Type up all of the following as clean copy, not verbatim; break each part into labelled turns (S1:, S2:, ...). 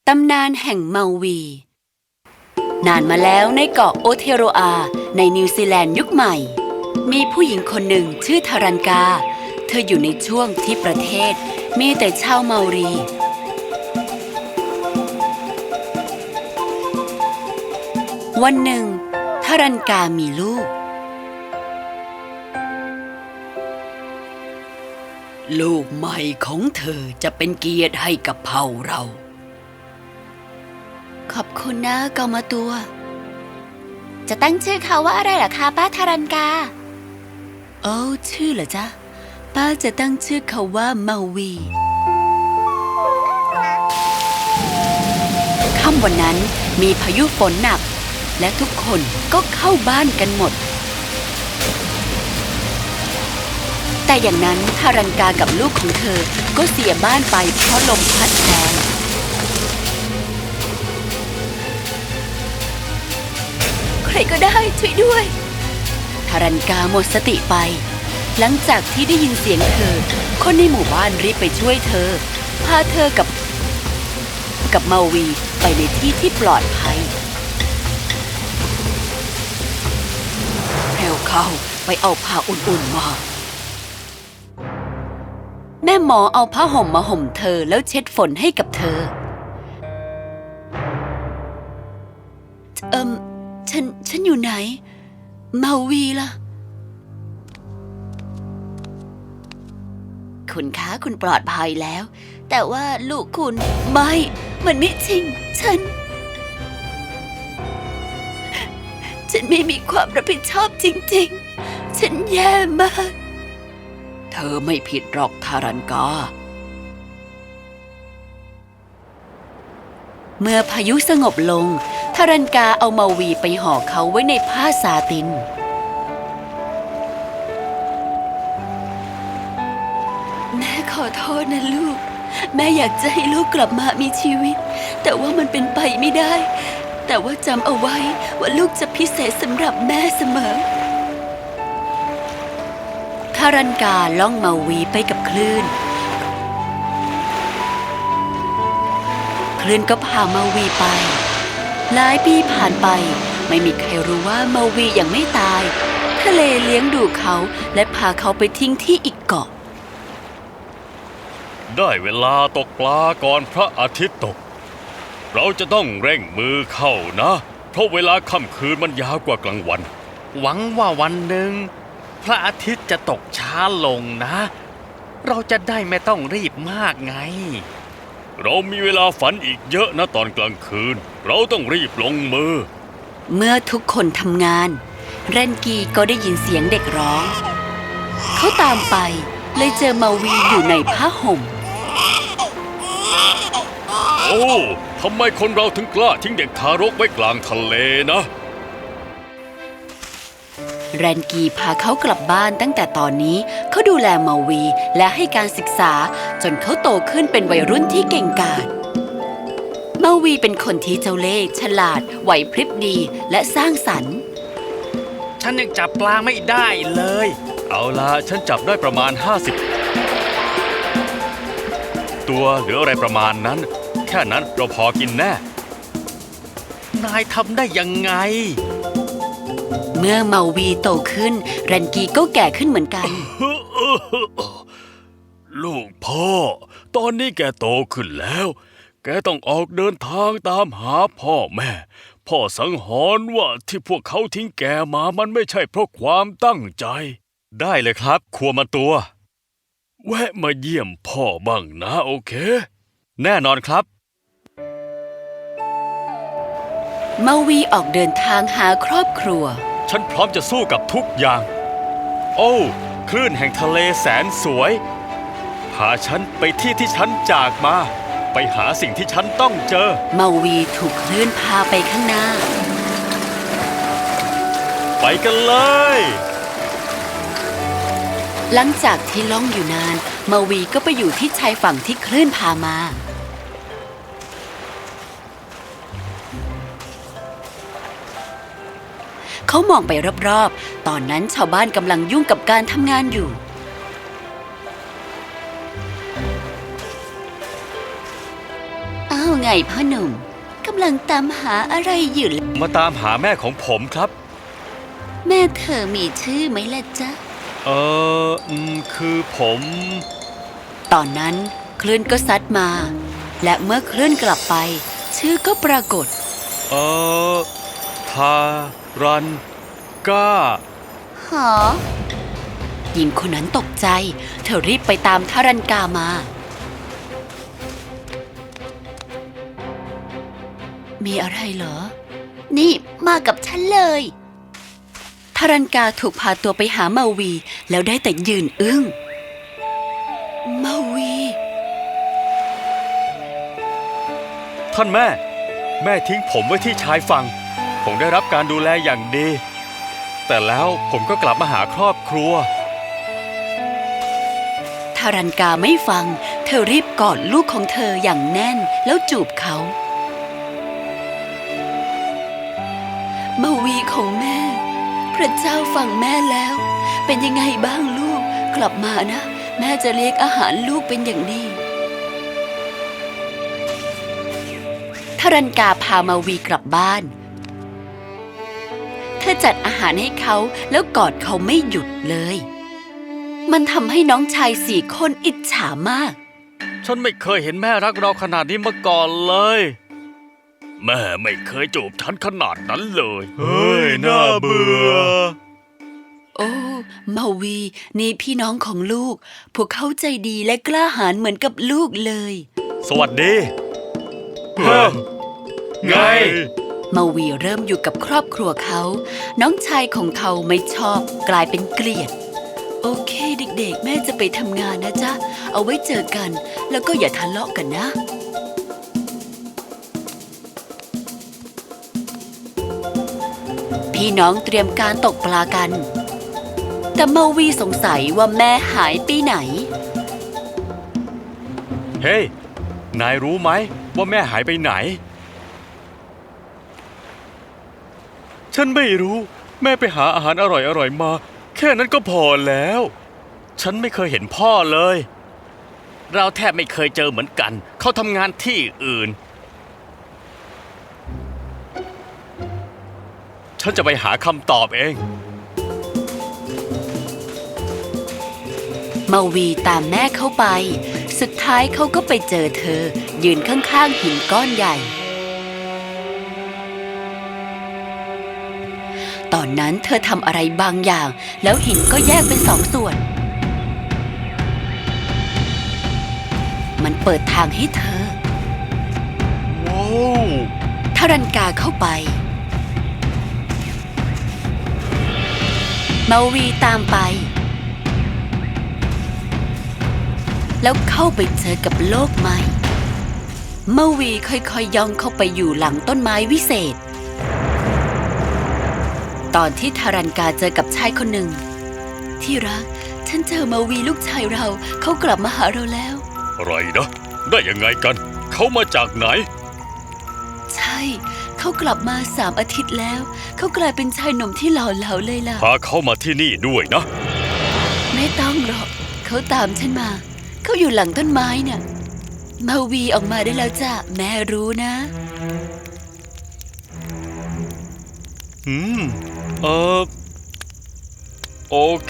S1: ตำนานแห่งเมาวี นานมาแล้วในเกาะโอเทโรอาในนิวซีแลนด์ยุคใหม่มีผู้หญิงคนหนึ่งชื่อทารันกาเธออยู่ในช่วงที่ประเทศมีแต่ชาวเมารีวันหนึ่งทารันกามีลูกใหม่ของเธอจะเป็นเกียรติให้กับเผ่าเราขอบคุณนะกามาตัวจะตั้งชื่อเขาว่าอะไรล่ะคะป้าทารันกาชื่อเหรอจ๊ะป้าจะตั้งชื่อเขาว่าเมาวีค่ำวันนั้นมีพายุฝนหนักและทุกคนก็เข้าบ้านกันหมดแต่อย่างนั้นทารันกากับลูกของเธอก็เสียบ้านไปเพราะลมพัดแรงใครก็ได้ช่วยด้วยทารันกาหมดสติไปหลังจากที่ได้ยินเสียงเธอคนในหมู่บ้านรีบไปช่วยเธอพาเธอกับเมาวีไปในที่ที่ปลอดภัยเร็วเข้าไปเอาผ้าอุ่นๆมาแม่หมอเอาผ้าห่มมาห่มเธอแล้วเช็ดฝนให้กับเธอฉันอยู่ไหนเมาวีล่ะคุณคะคุณปลอดภัยแล้วแต่ว่าลูกคุณมันไม่จริงฉันไม่มีความรับผิดชอบจริงๆฉันแย่มากเธอไม่ผิดหรอกทารันกาเมื่อพายุสงบลงทารันกาเอาเมาวีไปห่อเขาไว้ในผ้าซาตินแม่ขอโทษนะลูกแม่อยากจะให้ลูกกลับมามีชีวิตแต่ว่ามันเป็นไปไม่ได้แต่ว่าจำเอาไว้ว่าลูกจะพิเศษสำหรับแม่เสมอทารันกาล่องเมาวีไปกับคลื่นก็พาเมาวีไปหลายปีผ่านไปไม่มีใครรู้ว่าเมาวียังไม่ตายทะเลเลี้ยงดูเขาและพาเขาไปทิ้งที่อีกเกาะ
S2: ได้เวลาตกปลาก่อนพระอาทิตย์ตกเราจะต้องเร่งมือเข้านะเพราะเวลาค่ำคืนมันยาวกว่ากลางวัน
S3: หวังว่าวันหนึ่งพระอาทิตย์จะตกช้าลงนะเราจะได้ไม่ต้องรีบมากไง
S2: เรามีเวลาฝันอีกเยอะนะตอนกลางคืนเราต้องรีบลงมือ
S1: เมื่อทุกคนทำงานแรนกีก็ได้ยินเสียงเด็กร้องเขาตามไปเลยเจอเมาวีอยู่ในผ้าห่ม
S2: โอ้ทำไมคนเราถึงกล้าทิ้งเด็กทารกไว้กลางทะเลนะ
S1: แรนกีพาเขากลับบ้านตั้งแต่ตอนนี้เขาดูแลเมาวีและให้การศึกษาจนเขาโตขึ้นเป็นวัยรุ่นที่เก่งกาจเมาวีเป็นคนที่เจ้าเล่ห์ฉลาดไหวพริบดีและสร้างสรรค์
S3: ฉันยังจับปลาไม่ได้เลย
S2: เอาล่ะฉันจับได้ประมาณ50ตัวหรืออะไรประมาณนั้นแค่นั้นเราพอกินแน่
S3: นายทำได้ยังไง
S1: เมื่อเมาวีโตขึ้นแรนกีก็แก่ขึ้นเหมือนกัน
S2: ลูกพ่อตอนนี้แกโตขึ้นแล้วแกต้องออกเดินทางตามหาพ่อแม่พ่อสังหรณ์ว่าที่พวกเขาทิ้งแกมามันไม่ใช่เพราะความตั้งใจได้เลยครับครัวมาตัวแวะมาเยี่ยมพ่อบ้างนะโอเคแน่นอนครับ
S1: เมาวีออกเดินทางหาครอบครัว
S2: ฉันพร้อมจะสู้กับทุกอย่างโอ้คลื่นแห่งทะเลแสนสวยพาฉันไปที่ที่ฉันจากมาไปหาสิ่งที่ฉันต้องเจอ
S1: เมาวีถูกคลื่นพาไปข้างหน้า
S2: ไปกันเลย
S1: หลังจากที่ล่องอยู่นานเมาวีก็ไปอยู่ที่ชายฝั่งที่คลื่นพามาเขามองไปรอบๆตอนนั้นชาวบ้านกำลังยุ่งกับการทำงานอยู่ไงไงพ่อหนุ่มกำลังตามหาอะไรอยู่ล่ะ
S3: มาตามหาแม่ของผมครับ
S1: แม่เธอมีชื่อไหมล่ะจ๊ะ
S3: คือผม
S1: ตอนนั้นคลื่นก็ซัดมา และเมื่อคลื่นกลับไป ชื่อก็ปรากฏ
S3: ทารันก้า
S1: หอหญิงคนนั้นตกใจ เธอรีบไปตามทารันกามา มีอะไรเหรอ นี่มากับฉันเลยทารันกาถูกพาตัวไปหาเมาวีแล้วได้แต่ยืนอึ้งเมาวี
S3: ท่านแม่ แม่ทิ้งผมไว้ที่ชายฝั่งผมได้รับการดูแลอย่างดี แต่แล้วผมก็กลับมาหาครอบครัว
S1: ทารันกาไม่ฟัง เธอรีบกอดลูกของเธออย่างแน่นแล้วจูบเขาเมาวีของแม่ พระเจ้าฟังแม่แล้ว เป็นยังไงบ้างลูกกลับมานะ แม่จะเลี้ยงอาหารลูกเป็นอย่างดีทารันกาพาเมาวีกลับบ้านเธอจัดอาหารให้เขาแล้วกอดเขาไม่หยุดเลย มันทำให้น้องชาย4 คนอิจฉามาก
S3: ฉันไม่เคยเห็นแม่รักเราขนาดนี้มาก่อนเลย
S2: แม่ไม่เคยจูบฉันขนาดนั้นเลย
S3: เฮ้ยน่าเบื่อ
S1: โอ้เมาวีนี่พี่น้องของลูก พวกเขาใจดีและกล้าหาญเหมือนกับลูกเลย
S3: สวัสดี ไง
S1: เมาวีเริ่มอยู่กับครอบครัวเขา น้องชายของเขาไม่ชอบกลายเป็นเกลียด โอเคเด็กๆแม่จะไปทำงานนะจ๊ะ เอาไว้เจอกันแล้วก็อย่าทะเลาะกันนะ พี่น้องเตรียมการตกปลากัน แต่เมาวีสงสัยว่าแม่หายไปไหน
S3: เฮ้ย นายรู้ไหมว่าแม่หายไปไหน ฉันไม่รู้ แม่ไปหาอาหารอร่อยๆมา แค่นั้นก็พอแล้ว ฉันไม่เคยเห็นพ่อเลย เราแทบไม่เคยเจอเหมือนกัน เขาทำงานที่อื่น ฉันจะไปหาคำตอบเอง
S1: เมาวีตามแม่เข้าไป สุดท้ายเขาก็ไปเจอเธอ ยืนข้างๆหินก้อนใหญ่ ตอนนั้นเธอทำอะไรบางอย่าง แล้วหินก็แยกเป็น2 ส่วน มันเปิดทางให้เธอ
S3: ว้าว
S1: ทารันกาเข้าไป เมาวีตามไป แล้วเข้าไปเจอกับโลกใหม่ เมาวีค่อยๆย่องเข้าไปอยู่หลังต้นไม้วิเศษ ตอนที่ทารันกาเจอกับชายคนหนึ่ง ที่รักฉันเจอเมาวีลูกชายเราเขากลับมาหาเราแล้ว
S2: อะไรนะ ได้ยังไงกัน เขามาจากไหน
S1: ใช่เขากลับมา3 อาทิตย์แล้ว เขากลายเป็นชายหนุ่มที่หล่อเหลาเลยล่ะ
S2: พาเขามาที่นี่ด้วยนะ
S1: ไม่ต้องหรอกเขาตามฉันมา เขาอยู่หลังต้นไม้เนี่ยเมาวีออกมาได้แล้วจ้ะแม่รู้นะ
S3: โอเค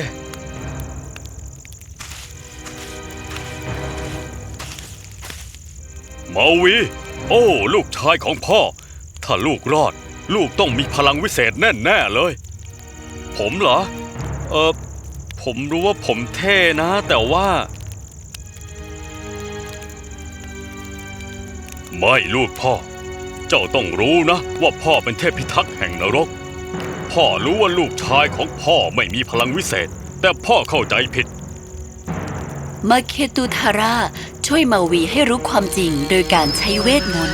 S2: มาวี โอ้ ลูกชายของพ่อ ถ้าลูกรอด ลูกต้องมีพลังวิเศษแน่ๆเลย
S3: ผมเหรอ ผมรู้ว่าผมเท่นะ แต่ว่า
S2: ไม่ลูกพ่อ เจ้าต้องรู้นะว่าพ่อเป็นเทพพิทักษ์แห่งนรก พ่อรู้ว่าลูกชายของพ่อไม่มีพลังวิเศษ แต่พ่อเข้าใจผิด
S1: มาเคตูทาร่าช่วยเมาวีให้รู้ความจริงโดยการใช้เวทมนต์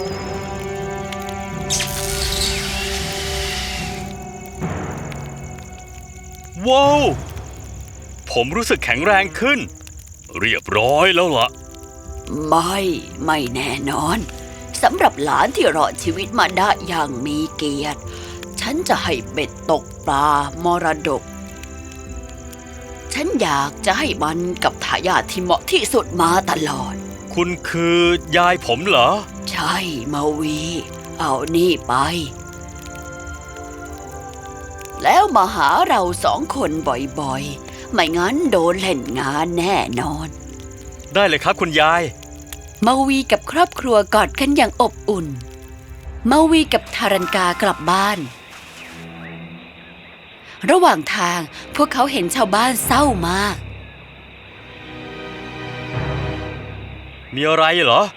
S3: ว้าว ผมรู้สึกแข็งแรงขึ้น
S2: เรียบร้อยแล้วล่ะ
S1: ไม่แน่นอนสำหรับหลานที่รอดชีวิตมาได้อย่างมีเกียรติ ฉันจะให้เบ็ดตกปลามรดก ฉันอยากจะให้มันกับทายาทที่เหมาะที่สุดมาตลอด
S3: คุณคือยายผมเหรอ
S1: ใช่มาวี เอานี่ไป แล้วมาหาเรา2 คนบ่อยๆ ไม่งั้นโดนเล่นงานแน่นอน
S3: ได้เลยครับคุณยาย
S1: มาวีกับครอบครัวกอดกันอย่างอบอุ่น มาวีกับทารันกากลับบ้าน ระหว่างทางพวกเขาเห็นชาวบ้านเศร้ามาก
S3: มีอะไรเหรอ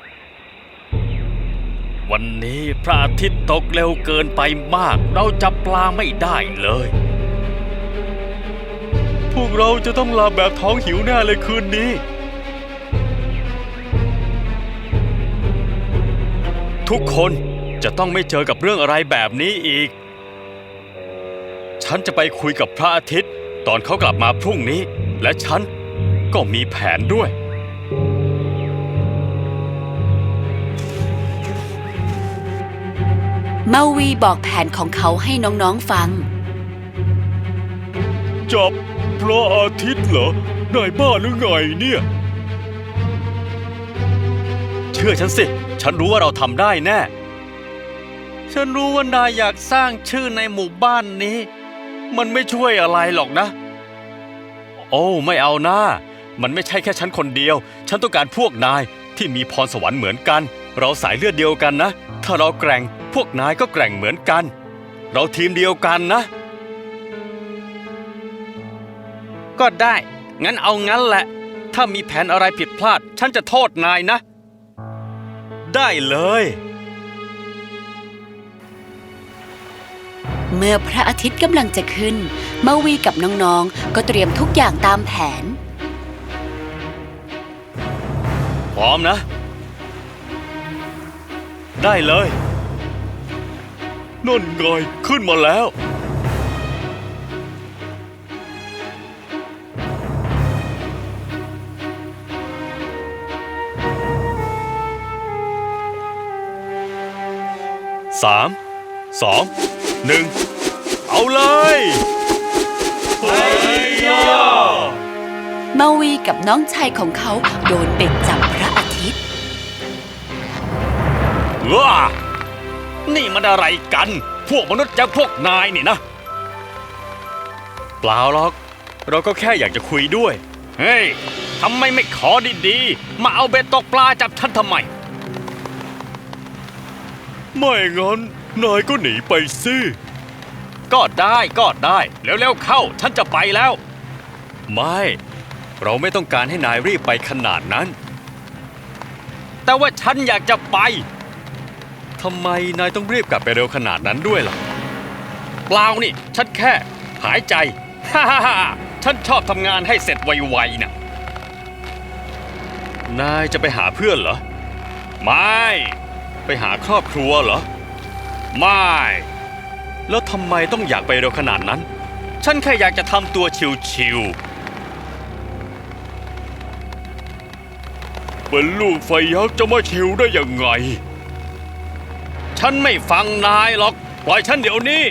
S3: วันนี้พระอาทิตย์ตกเร็วเกินไปมาก เราจับปลาไม่ได้เลย พวกเราจะต้องลาแบบท้องหิวแน่เลยคืนนี้ ทุกคนจะต้องไม่เจอกับเรื่องอะไรแบบนี้อีก ฉันจะไปคุยกับพระอาทิตย์ตอนเขากลับมาพรุ่งนี้ และฉันก็มีแผนด้วย
S1: มาวีบอกแผนของเขาให้น้องๆฟัง
S2: จับพระอาทิตย์เหรอ นายบ้าหรือไงเนี่ย
S3: เชื่อฉันสิ ฉันรู้ว่าเราทำได้แน่ ฉันรู้ว่านายอยากสร้างชื่อในหมู่บ้านนี้ มันไม่ช่วยอะไรหรอกนะ โอ้ไม่เอาหน้า มันไม่ใช่แค่ฉันคนเดียว ฉันต้องการพวกนายที่มีพรสวรรค์เหมือนกัน เราสายเลือดเดียวกันนะ ถ้าเราแกร่งพวกนายก็แกร่งเหมือนกัน เราทีมเดียวกันนะ ก็ได้ งั้นเอางั้นแหละ ถ้ามีแผนอะไรผิดพลาด ฉันจะโทษนายนะ ได้เลย
S1: เมื่อพระอาทิตย์กำลังจะขึ้น มาวีกับน้องๆก็เตรียมทุกอย่างตามแผน
S3: พร้อมนะ ได้เลย
S2: นั่นไงขึ้นมาแล้ว
S3: 3 2 1 เอาเลย
S1: มาวีกับน้องชายของเขาโดนเบ็ดจับพระอาทิตย์
S3: ว้านี่มันอะไรกัน พวกมนุษย์อย่างพวกนายนี่นะ เปล่าหรอก เราก็แค่อยากจะคุยด้วย เฮ้ย ทำไมไม่ขอดีๆ มาเอาเบ็ดตกปลาจับฉันทำไม
S2: ไม่งั้นนายก็หนีไปสิ
S3: ก็ได้ก็ได้ เร็วๆเข้า ฉันจะไปแล้ว ไม่ เราไม่ต้องการให้นายรีบไปขนาดนั้น แต่ว่าฉันอยากจะไปทำไมนายต้องรีบกลับไปเร็วขนาดนั้นด้วยล่ะเปล่านี่ ฉันแค่หายใจ ฮ่าฮ่าฮ่าฉันชอบทำงานให้เสร็จไวๆน่ะนายจะไปหาเพื่อนเหรอ ไม่ ไปหาครอบครัวเหรอ ไม่ แล้วทำไมต้องอยากไปเร็วขนาดนั้น ฉันแค่อยากจะทำตัวชิว
S2: เป็นลูกไฟยักษ์จะมาชิวได้ยังไง
S3: ๆ ฉันไม่ฟังนายหรอก ปล่อยฉันเดี๋ยวนี้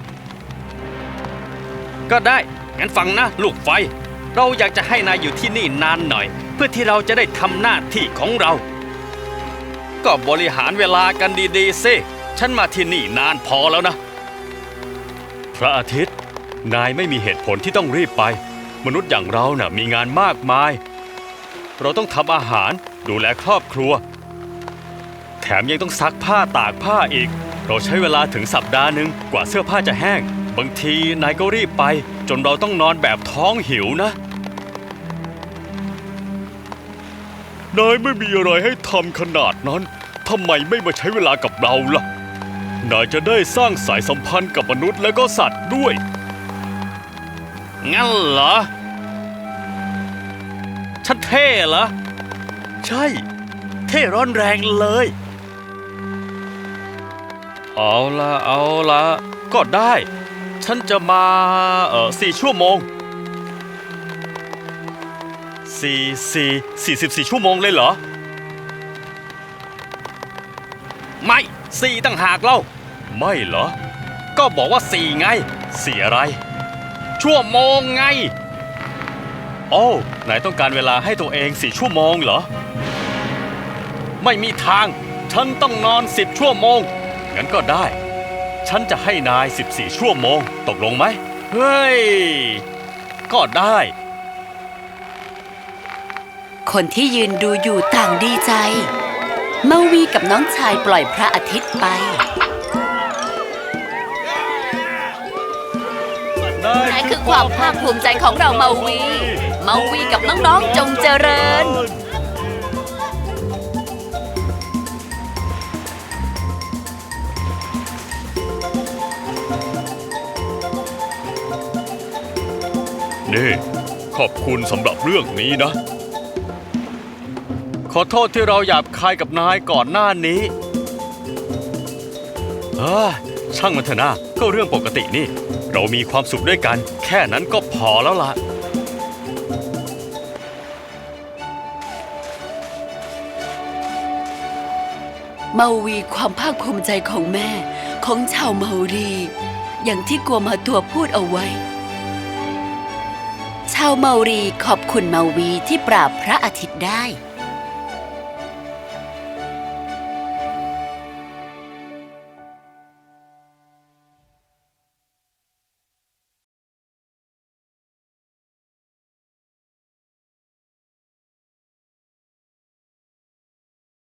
S3: ก็ได้ งั้นฟังนะลูกไฟ เราอยากจะให้นายอยู่ที่นี่นานหน่อย เพื่อที่เราจะได้ทำหน้าที่ของเรา ก็บริหารเวลากันดีๆสิฉันมาที่นี่นานพอแล้วนะ พระอาทิตย์ นายไม่มีเหตุผลที่ต้องรีบไป มนุษย์อย่างเราน่ะมีงานมากมาย เราต้องทำอาหารดูแลครอบครัว แถมยังต้องซักผ้าตากผ้าอีก เราใช้เวลาถึงสัปดาห์หนึ่งกว่าเสื้อผ้าจะแห้ง บางทีนายก็รีบไป จนเราต้องนอนแบบท้องหิวนะ
S2: นายไม่มีอะไรให้ทำขนาดนั้น ทำไมไม่มาใช้เวลากับเราล่ะ นายจะได้สร้างสายสัมพันธ์กับมนุษย์และก็สัตว์ด้วย
S3: งั้นเหรอ ฉันเท่เหรอ
S2: ใช่ เท่ร้อนแรงเลย
S3: เอาละก็ได้ ฉันจะมา4 ชั่วโมง 44 ชั่วโมงเลยเหรอ ไม่4ต่างหากเล่า
S2: ไม่เหรอ
S3: ก็บอกว่า4ไง4อะไร ชั่วโมงไง โอ้ นายต้องการเวลาให้ตัวเอง4 ชั่วโมงเหรอไม่มีทาง ฉันต้องนอน10 ชั่วโมง งั้นก็ได้ ฉันจะให้นาย 14 ชั่วโมง ตกลงไหม เฮ้ย ก็ได้
S1: คนที่ยืนดูอยู่ต่างดีใจ เมาวีกับน้องชายปล่อยพระอาทิตย์ไปนั่นคือความภาคภูมิใจของเราเมาวี เมาวีกับน้องๆจงเจริญ
S2: นี่ ขอบคุณสำหรับเรื่องนี้นะ
S3: ขอโทษที่เราหยาบคายกับนายก่อนหน้านี้ช่างมันเถอะนะก็เรื่องปกตินี่ เรามีความสุขด้วยกัน แค่นั้นก็พอแล้วล่ะ
S1: เมาวีความภาคภูมิใจของแม่ของชาวเมารี อย่างที่กัวมาตัวพูดเอาไว้ ชาวเมารีขอบคุณเมาวีที่ปราบพระอาทิตย์ได้